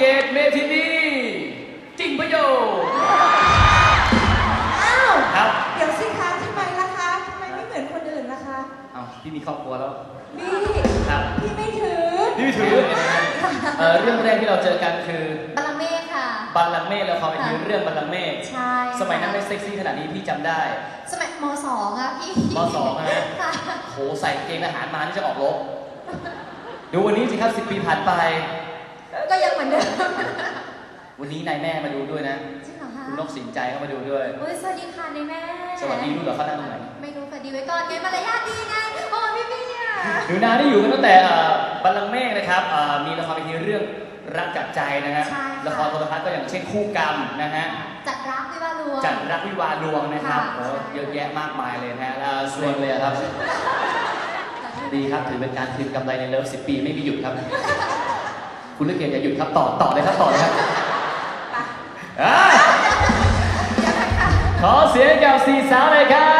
ตเมทินีจริงประโยชน์อ้าวครับเดี๋ยวสิคะทำไมล่ะคะทำไมไม่เหมือนคนอื่นล่ะคะเอาพี่มีครอบครัวแล้วนี่ครับพี่ไม่ถือพี่ไม่ถือเรื่องแรกที่เราเจอกันคือบัลลังก์เมฆค่ะบัลลังก์เมฆแล้วความเป็นทีเรื่องบัลลังก์เมฆใช่สมัยนั้นไม่เซ็กซี่ขนาดนี้พี่จำได้สมัยม.2อะพี่ม.2 นะค่ะโหใส่เกงทหารมานี่จะออกรบดูวันนี้สิครับ10 ปีผ่านไปก็ยังเหมือนเดิมวันนี้นายแม่มาดูด้วยนะจริงเหรอคะคุณนกสินใจเข้ามาดูด้วยโอ้ยสวัสดีค่ะนายแม่สวัสดีรู้เหรอเขานั่งตรงไหนไม่รู้สวัสดีไว้ก่อนไงมารยาทดีไงโอ้พี่พี่อะหนูนาได้อยู่กันตั้งแต่บัลลังก์เมฆนะครับมีละครเวทีเรื่องรักจัดใจนะฮะละครโทรทัศน์ก็อย่างเช่นคู่กรรมนะฮะจัดรักวิวาห์ลวงจัดรักวิวาห์ลวงนะครับค่ะโอ้เยอะแยะมากมายเลยนะฮะแล้วส่วนเลยครับ ดีครับถือเป็นการคืนกำไรในเลิฟ10 ปีไม่มีหยุดครับ คุณเลือกเกียรติอย่าหยุดครับต่อเลยครับต่อเลยครับขอเสียงกับ4 สาวเลยครับ